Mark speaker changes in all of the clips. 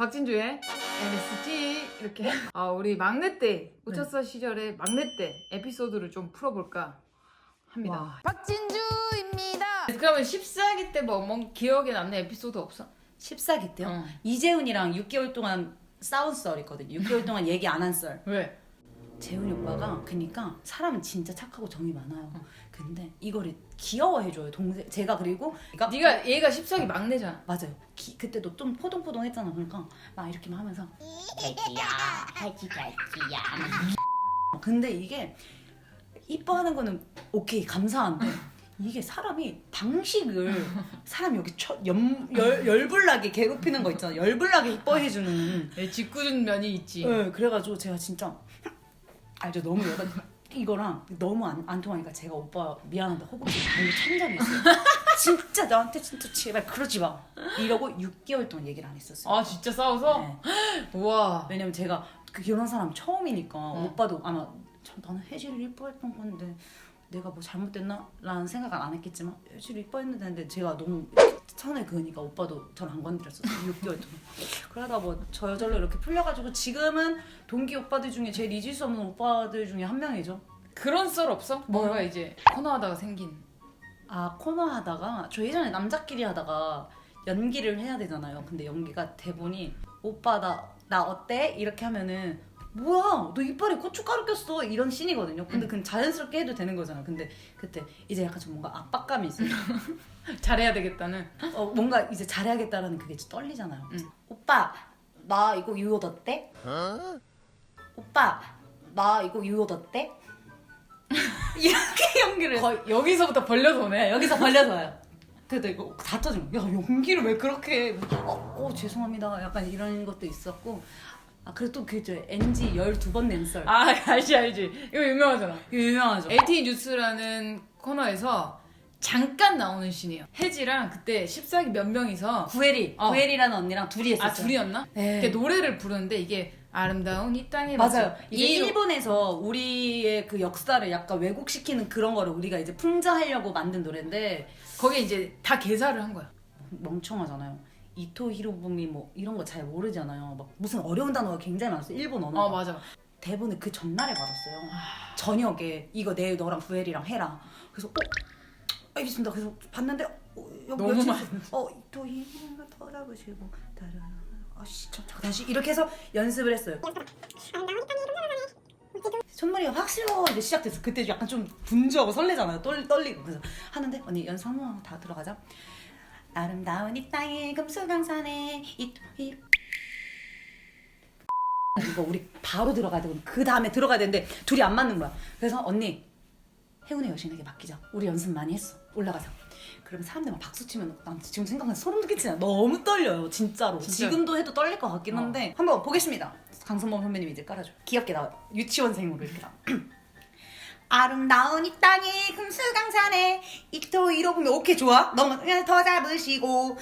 Speaker 1: 박진주의 MSG 이렇게 우리 막내 때 우차사 시절의 막내 때 에피소드를 좀 풀어볼까 합니다.
Speaker 2: 와.
Speaker 1: 박진주입니다. 그러면 14기 때 뭐 기억에 남는 에피소드 없어?
Speaker 2: 14기 때요? 이재훈이랑 6개월 동안 싸운 썰이거든요. 6개월 동안 얘기 안 한 썰.
Speaker 1: 왜?
Speaker 2: 재훈이 오빠가 그니까 사람은 진짜 착하고 정이 많아요. 근데 이거를 귀여워해줘요. 동생 제가 그리고
Speaker 1: 네가 얘가 14기 막내잖아.
Speaker 2: 맞아요. 그때도 좀 포동포동했잖아. 그러니까 막 이렇게만 하면서 애기야, 애기야. 근데 이게 이뻐하는 거는 오케이 감사한데 이게 사람이 방식을 사람이 여기 열불나게 괴롭히는 거 있잖아. 열불나게 이뻐해주는
Speaker 1: 짓궂은 면이 있지.
Speaker 2: 네, 그래가지고 제가 진짜 알죠. 너무 이거랑 너무 안 통하니까 제가 오빠 미안한데 허벅지 발로 찬 적이 있어요. 진짜 나한테 진짜 제발 그러지 마 이러고 6개월 동안 얘기를 안 했었어요.
Speaker 1: 아 진짜 싸워서?
Speaker 2: 네.
Speaker 1: 우와.
Speaker 2: 왜냐면 제가 이런 사람 처음이니까 오빠도 아마 나는 혜지를 이뻐했던 건데 내가 뭐 잘못됐나? 라는 생각은 안 했겠지만 혜지를 이뻐했는데 제가 너무 선을 그으니까 오빠도 저를 안 건드렸었어요. 6개월 동안. 그러다 뭐 저절로 이렇게 풀려가지고 지금은 동기 오빠들 중에 제일 잊을 수 없는 오빠들 중에 한 명이죠.
Speaker 1: 그런 썰 없어? 뭔가 이제 코너하다가 생긴.
Speaker 2: 코너 하다가 저 예전에 남자끼리 하다가 연기를 해야 되잖아요. 근데 연기가 대본이 오빠 나 어때? 이렇게 하면은 뭐야 너 이빨에 고춧가루 꼈어 이런 씬이거든요. 근데 그건 자연스럽게 해도 되는 거잖아. 근데 그때 이제 약간 좀 뭔가 압박감이 있어요.
Speaker 1: 잘해야 되겠다는.
Speaker 2: 뭔가 이제 잘해야겠다라는 그게 떨리잖아요. 오빠 나 이거 이 옷 어때? 오빠 나 이거 이 옷 어때? 이렇게 연기를
Speaker 1: 거의 여기서부터 벌려서 오네.
Speaker 2: 여기서 벌려서 와요. 그래도 이거 다 터지고 야 연기를 왜 그렇게 죄송합니다 약간 이런 것도 있었고 그리고 또 그죠 NG 12번 낸 썰.
Speaker 1: 알지 이거 유명하잖아.
Speaker 2: 이거 유명하죠.
Speaker 1: LTE 뉴스라는 코너에서 잠깐 나오는 씬이에요. 혜지랑 그때 14기 몇 명이서
Speaker 2: 구혜리라는 언니랑 둘이 했었어요.
Speaker 1: 둘이었나?
Speaker 2: 네.
Speaker 1: 이렇게 노래를 부르는데 이게 아름다운 이 땅에
Speaker 2: 맞아요. 이게
Speaker 1: 이
Speaker 2: 일본에서 우리의 그 역사를 약간 왜곡시키는 그런 거를 우리가 이제 풍자하려고 만든 노래인데
Speaker 1: 거기에 이제 다 개사를 한 거야.
Speaker 2: 멍청하잖아요. 이토 히로부미 뭐 이런 거 잘 모르잖아요. 막 무슨 어려운 단어가 굉장히 많았어요. 일본 언어.
Speaker 1: 맞아.
Speaker 2: 대본을 그 전날에 받았어요. 저녁에 이거 내일 너랑 부엘이랑 해라. 그래서 알겠습니다. 그래서 봤는데
Speaker 1: 너무 많이
Speaker 2: 이토 히로부미 돌아보시고 잠깐 다시 이렇게 해서 연습을 했어요. 첫머리가 확 실어 이제 시작됐어. 그때 약간 좀 분주하고 설레잖아요. 떨리고 그래서 하는데 언니 연습 한번 다 들어가자. 아름다운 이 땅에 금수강산에 이거 우리 바로 들어가야 되고 그 다음에 들어가야 되는데 둘이 안 맞는 거야. 그래서 언니 혜운의 여신에게 맡기자. 우리 연습 많이 했어. 올라가자. 그러면 사람들 막 박수 치면 난 지금 생각하면 소름 돋겠지. 너무 떨려요 진짜로. 지금도 해도 떨릴 것 같긴 한데 한번 보겠습니다. 강선범 선배님이 이제 깔아줘. 귀엽게 나와요. 유치원생으로 이렇게 나와. 아름다운 이 땅에 금수강산에 이토 이로부미 오케이 좋아. 너무 그냥 더 잡으시고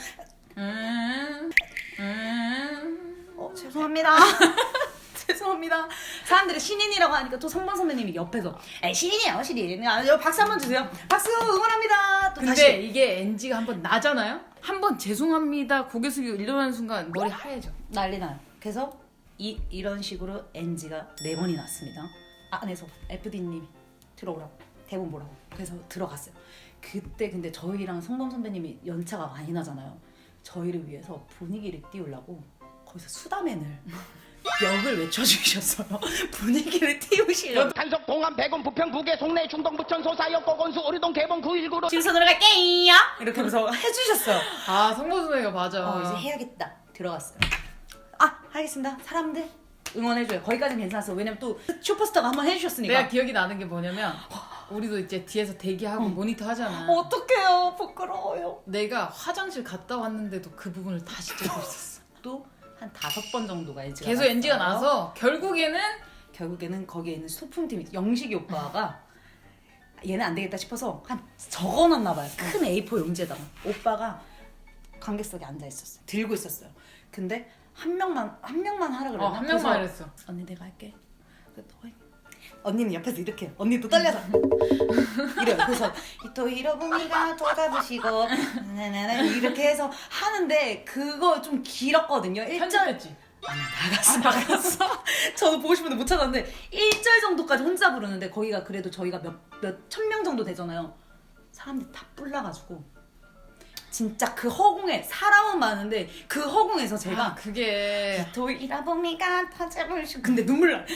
Speaker 2: 죄송합니다. 죄송합니다. 사람들이 신인이라고 하니까 또 성범 선배님이 옆에서 신인이에요 신인. 박수 한번 주세요. 박수 응원합니다. 또
Speaker 1: 근데
Speaker 2: 다시.
Speaker 1: 이게 NG가 한번 나잖아요? 한번 죄송합니다 고개 숙이고 일어나는 순간 머리 하얘져.
Speaker 2: 난리 나요. 그래서 이런 식으로 NG가 4번이 났습니다. 안에서 FD님이 들어오라고 대본 보라고 그래서 들어갔어요. 그때 근데 저희랑 성범 선배님이 연차가 많이 나잖아요. 저희를 위해서 분위기를 띄우려고 거기서 수다맨을 역을 외쳐주셨어요. 분위기를 띄우시려고.
Speaker 3: 한석 동안 백원 부평 부계 송내 중동 부천 소사역 고건수 오리동 개봉 919로
Speaker 2: 지금서 들어갈게요. 이렇게 하면서 해주셨어요.
Speaker 1: 성보수네가 맞아.
Speaker 2: 이제 해야겠다. 들어갔어요. 알겠습니다. 사람들 응원해줘요. 거기까지는 괜찮았어. 왜냐면 또 슈퍼스타가 한번 해주셨으니까.
Speaker 1: 내가 기억이 나는 게 뭐냐면 우리도 이제 뒤에서 대기하고 모니터 하잖아.
Speaker 2: 어떡해요. 부끄러워요.
Speaker 1: 내가 화장실 갔다 왔는데도 그 부분을 다시 찍고 있었어.
Speaker 2: 또 한 5번 정도가 NG가
Speaker 1: 계속
Speaker 2: 났어요.
Speaker 1: NG가 나서
Speaker 2: 결국에는 거기에 있는 소품팀이 영식이 오빠가 얘는 안 되겠다 싶어서 한 적어놨나 봐요. 큰 A4 용지에다가 오빠가 관객석에 앉아 있었어요. 들고 있었어요. 근데 한 명만 하라 그랬나?
Speaker 1: 한 명만 했어.
Speaker 2: 언니 내가 할게. 언니는 옆에서 이렇게 해요. 언니도 떨려서 이래요. 그래서 또 히로부미가 돌아보시고 나나나 이렇게 해서 하는데 그거 좀 길었거든요. 1절
Speaker 1: 편집했지?
Speaker 2: 아니 나갔어. 저도 보고 싶은데 못 찾았는데 1절 정도까지 혼자 부르는데 거기가 그래도 저희가 몇 천 명 정도 되잖아요. 사람들이 다 뿔나가지고 진짜 그 허공에 사람은 많은데 그 허공에서 제가
Speaker 1: 그게
Speaker 2: 돌이라보니까 터져버리고 근데 눈물 나.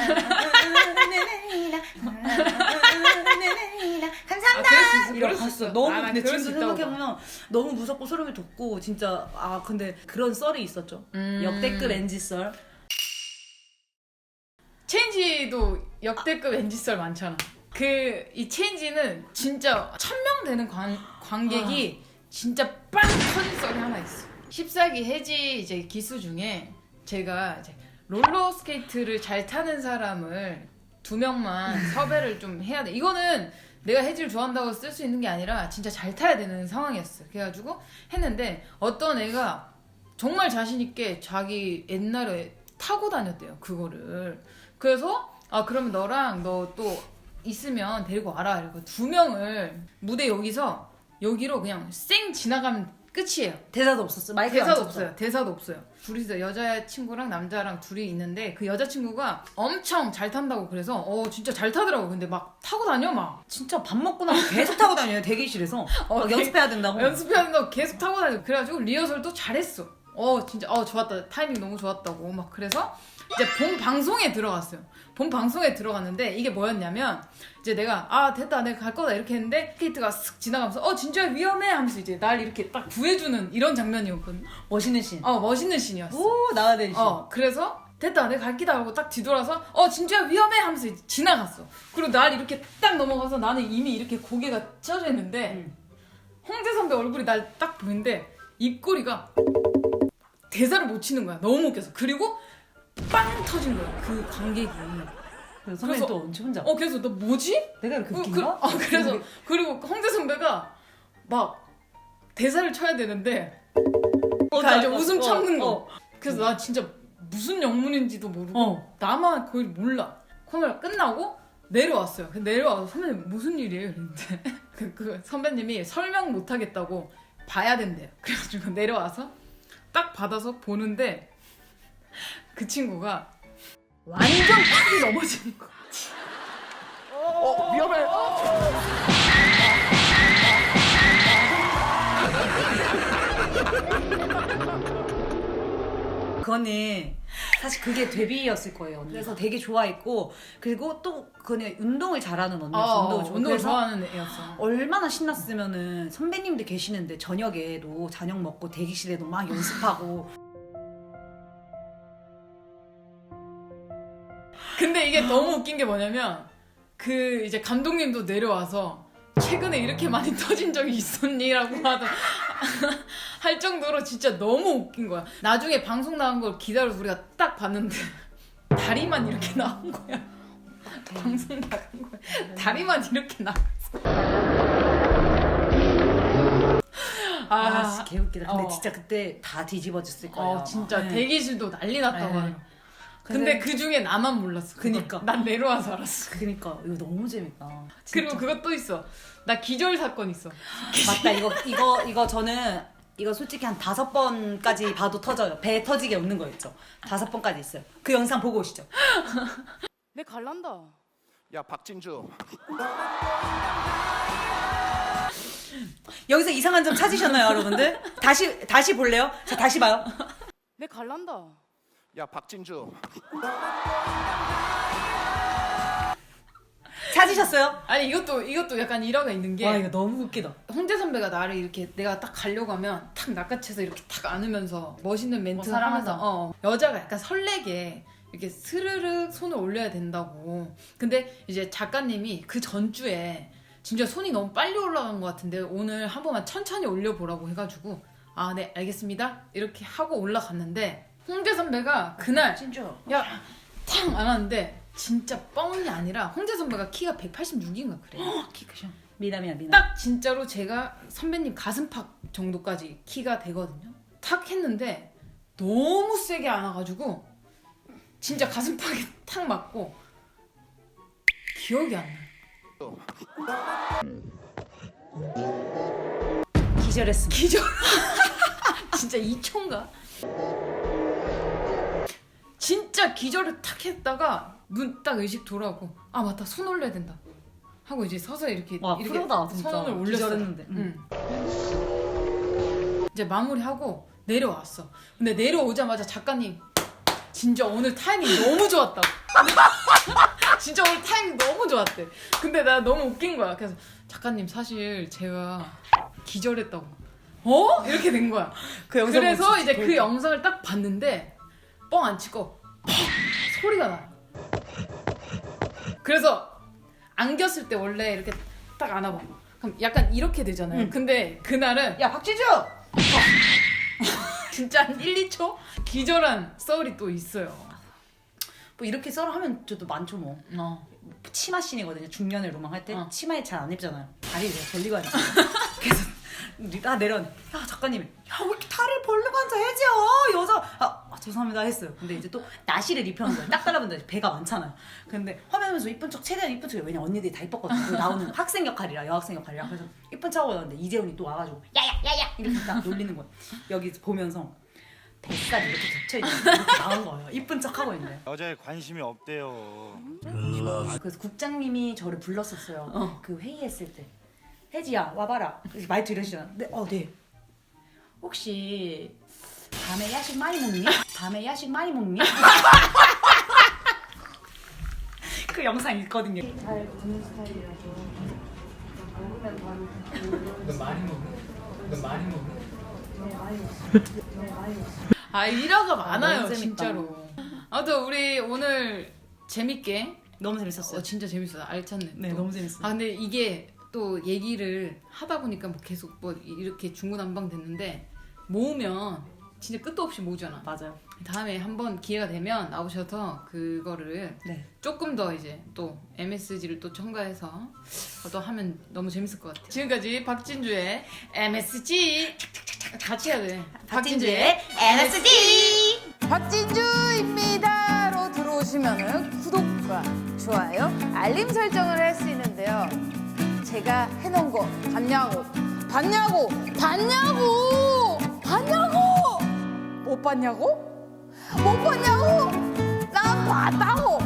Speaker 2: 감사합니다.
Speaker 1: 그럴 수 있어,
Speaker 2: 이러고
Speaker 1: 그럴 수
Speaker 2: 갔어.
Speaker 1: 있어.
Speaker 2: 너무
Speaker 1: 나
Speaker 2: 근데
Speaker 1: 그럴
Speaker 2: 지금
Speaker 1: 수 있다고
Speaker 2: 생각해보면 너무 무섭고 소름이 돋고 진짜 근데 그런 썰이 있었죠. 역대급 NG 썰.
Speaker 1: 체인지도 역대급 NG썰 많잖아. 이 체인지는 진짜 1000명 되는 관객이 진짜 빵 터진 썰이 하나 있어. 14기 해지 이제 기수 중에 제가 이제 롤러스케이트를 잘 타는 사람을 2명만 섭외를 좀 해야 돼. 이거는 내가 해지를 좋아한다고 쓸 수 있는 게 아니라 진짜 잘 타야 되는 상황이었어. 그래가지고 했는데 어떤 애가 정말 자신 있게 자기 옛날에 타고 다녔대요. 그거를. 그래서 그러면 너랑 너 또 있으면 데리고 와라. 이러고 2명을 무대 여기로 그냥 쌩 지나가면 끝이에요.
Speaker 2: 대사도 없었어. 마이크
Speaker 1: 대사도 없어요. 대사도 없어요. 둘이서 여자친구랑 남자랑 둘이 있는데 그 여자친구가 엄청 잘 탄다고 그래서 진짜 잘 타더라고. 근데 막 타고 다녀 막.
Speaker 2: 진짜 밥 먹고 나면 계속 타고 다녀요. 대기실에서 막 연습해야 된다고.
Speaker 1: 연습해야 된다고 계속 타고 다녀. 그래가지고 리허설도 잘했어. 진짜 좋았다. 타이밍 너무 좋았다고 막. 그래서 이제 본 방송에 들어갔어요. 본 방송에 들어갔는데 이게 뭐였냐면 이제 내가 됐다 내가 갈 거다 이렇게 했는데 스케이트가 슥 지나가면서 진짜 위험해 하면서 이제 날 이렇게 딱 구해주는 이런 장면이었거든.
Speaker 2: 멋있는 씬.
Speaker 1: 멋있는 씬이었어.
Speaker 2: 오 나와야 되는 씬.
Speaker 1: 그래서 됐다 내가 갈 기다 하고 딱 뒤돌아서 진짜 위험해 하면서 이제 지나갔어. 그리고 날 이렇게 딱 넘어가서 나는 이미 이렇게 고개가 쪄져 있는데 홍대 선배 얼굴이 날 딱 보는데 입꼬리가 대사를 못 치는 거야. 너무 웃겨서. 그리고 빵 터진 거야. 그 관객이.
Speaker 2: 선배님 또 언제 혼자?
Speaker 1: 그래서 너 뭐지?
Speaker 2: 내가 이렇게 웃긴가?
Speaker 1: 그래서 그리고 홍대 선배가 막 대사를 쳐야 되는데 이제 웃음 참는 거. 그래서 나 진짜 무슨 영문인지도 모르고 나만 거의 몰라. 코너 끝나고 내려왔어요. 내려와서 선배님 무슨 일이에요? 이랬는데 그 선배님이 설명 못 하겠다고 봐야 된대요. 그래가지고 내려와서 딱 받아서 보는데 그 친구가 완전 팍이 넘어지는 거야.
Speaker 3: 위험해.
Speaker 2: 그거는 사실 그게 데뷔였을 거예요. 언니. 그래서 되게 좋아했고 그리고 또 그거는 운동을 잘하는 언니였어.
Speaker 1: 운동을 좋아하는 애였어.
Speaker 2: 얼마나 신났으면은 선배님들 계시는데 저녁에도 저녁 먹고 대기실에도 막 연습하고.
Speaker 1: 근데 이게 너무 웃긴 게 뭐냐면 그 이제 감독님도 내려와서 최근에 이렇게 많이 터진 적이 있었니? 라고 할 정도로 진짜 너무 웃긴 거야. 나중에 방송 나온 걸 기다려서 우리가 딱 봤는데 다리만 이렇게 나온 거야. 방송 나간 거야. 다리만 이렇게 나왔어.
Speaker 2: 개웃기다. 근데 진짜 그때 다 뒤집어졌을 거예요.
Speaker 1: 진짜
Speaker 2: 네.
Speaker 1: 대기실도 난리 났다고
Speaker 2: 네.
Speaker 1: 하더라고. 근데 그 중에 나만 몰랐어.
Speaker 2: 그니까.
Speaker 1: 난 내려와서 알았어.
Speaker 2: 그니까 이거 너무 재밌다. 진짜.
Speaker 1: 그리고 그것 또 있어. 나 기절 사건 있어.
Speaker 2: 맞다. 이거 저는 이거 솔직히 한 5번까지 봐도 터져요. 배 터지게 웃는 거 있죠. 5번까지 있어요. 그 영상 보고 오시죠.
Speaker 1: 내 갈란다.
Speaker 3: 야 박진주.
Speaker 2: 여기서 이상한 점 찾으셨나요, 여러분들? 다시 볼래요? 자, 다시 봐요.
Speaker 1: 내 갈란다.
Speaker 3: 야 박진주.
Speaker 2: 찾으셨어요?
Speaker 1: 아니 이것도 약간 일화가 있는 게
Speaker 2: 와 이거 너무 웃기다.
Speaker 1: 홍대 선배가 나를 이렇게 내가 딱 가려고 하면 탁 낚아채서 이렇게 탁 안으면서 멋있는 멘트
Speaker 2: 사랑하자.
Speaker 1: 하면서 여자가 약간 설레게 이렇게 스르륵 손을 올려야 된다고. 근데 이제 작가님이 그 전주에 진짜 손이 너무 빨리 올라간 것 같은데 오늘 한 번만 천천히 올려보라고 해가지고 네 알겠습니다 이렇게 하고 올라갔는데 홍대 선배가 그날
Speaker 2: 진짜.
Speaker 1: 탕 안 하는데 진짜 뻥이 아니라 홍대 선배가 키가 186인가 그래.
Speaker 2: 키 크셔. 미남이야 미남.
Speaker 1: 딱 진짜로 제가 선배님 가슴팍 정도까지 키가 되거든요. 탁 했는데 너무 세게 안아가지고 진짜 가슴팍에 탁 맞고 기억이 안 나.
Speaker 2: 기절했습니다.
Speaker 1: 기절. 진짜 2초인가? 진짜 기절을 탁 했다가 눈 딱 의식 돌아오고 아 맞다 손 올려야 된다 하고 이제 서서 이렇게
Speaker 2: 와,
Speaker 1: 이렇게
Speaker 2: 프로다, 진짜.
Speaker 1: 손을 올렸어.
Speaker 2: 기절했는데.
Speaker 1: 이제 마무리하고 내려왔어. 근데 내려오자마자 작가님 진짜 오늘 타이밍 너무 좋았다고. 진짜 오늘 타이밍 너무 좋았대. 근데 나 너무 웃긴 거야. 그래서 작가님 사실 제가 기절했다고. 어? 이렇게 된 거야.
Speaker 2: 그 영상
Speaker 1: 그래서
Speaker 2: 보고
Speaker 1: 이제
Speaker 2: 진짜
Speaker 1: 그 영상을 딱 봤는데 뻥 안 치고 퍽 소리가 나. 그래서 안겼을 때 원래 이렇게 딱 안아봐. 그럼 약간 이렇게 되잖아요.
Speaker 2: 응.
Speaker 1: 근데 그날은
Speaker 2: 야 박지주!
Speaker 1: 진짜 한 1, 2초 기절한 썰이 또 있어요.
Speaker 2: 뭐 이렇게 썰어 하면 저도 많죠 뭐. 치마 씬이거든요. 중년의 로망 할 때 치마에 잘 안 입잖아요. 다리 내가 벌리고 앉아. 그래서 나 내려오네. 야 작가님이 야 왜 이렇게 다리를 벌리고 앉아 혜지야 여자. 죄송합니다 했어요. 근데 이제 또 나시를 입혀놓은 거예요. 딱 달라붙는데 배가 많잖아요. 근데 화면 보면서 이쁜 척 최대한 이쁜 척해. 왜냐 언니들이 다 이뻤거든요. 그 나오는 학생 역할이라 여학생 역할이라. 그래서 이쁜 척하고 나왔는데 이재훈이 또 와가지고 야야야야 이렇게 딱 놀리는 거예요. 여기 보면서 뱃살이 이렇게 겹쳐있는 이렇게 나온 거예요. 이쁜 척하고 있는데.
Speaker 4: 여자에 관심이 없대요.
Speaker 2: 그래서 국장님이 저를 불렀었어요. 그 회의했을 때. 혜지야 와봐라. 그래서 말투 이러시잖아. 네, 네. 혹시 밤에 야식 많이 먹니? 밤에 야식 많이 먹니? 그 영상 있거든요.
Speaker 1: 잘 듣는 스타일이라서 먹으면 바로 너 많이 먹어? 너 많이 먹어? 네 많이 먹어. 아 일화가 많아요
Speaker 2: 너무 재밌다.
Speaker 1: 진짜로. 아무튼 우리 오늘 재밌게
Speaker 2: 너무 재밌었어요.
Speaker 1: 진짜 재밌어요. 알찼네.
Speaker 2: 네,
Speaker 1: 또.
Speaker 2: 너무 재밌어요.
Speaker 1: 아 근데 이게 또 얘기를 하다 보니까 뭐 계속 뭐 이렇게 중구난방 됐는데 모으면 진짜 끝도 없이 모으잖아.
Speaker 2: 맞아요.
Speaker 1: 다음에 한번 기회가 되면 나오셔서 그거를
Speaker 2: 네.
Speaker 1: 조금 더 이제 또 MSG를 또 첨가해서 또 하면 너무 재밌을 것 같아요. 지금까지 박진주의 MSG 같이 해야 돼.
Speaker 2: 박진주의 MSG.
Speaker 5: 박진주입니다로 들어오시면은 구독과 좋아요, 알림 설정을 할 수 있는데요. 제가 해놓은 거 봤냐고, 봤냐고, 봤냐고, 봤냐고, 못 봤냐고, 못 봤냐고, 난 봤다고.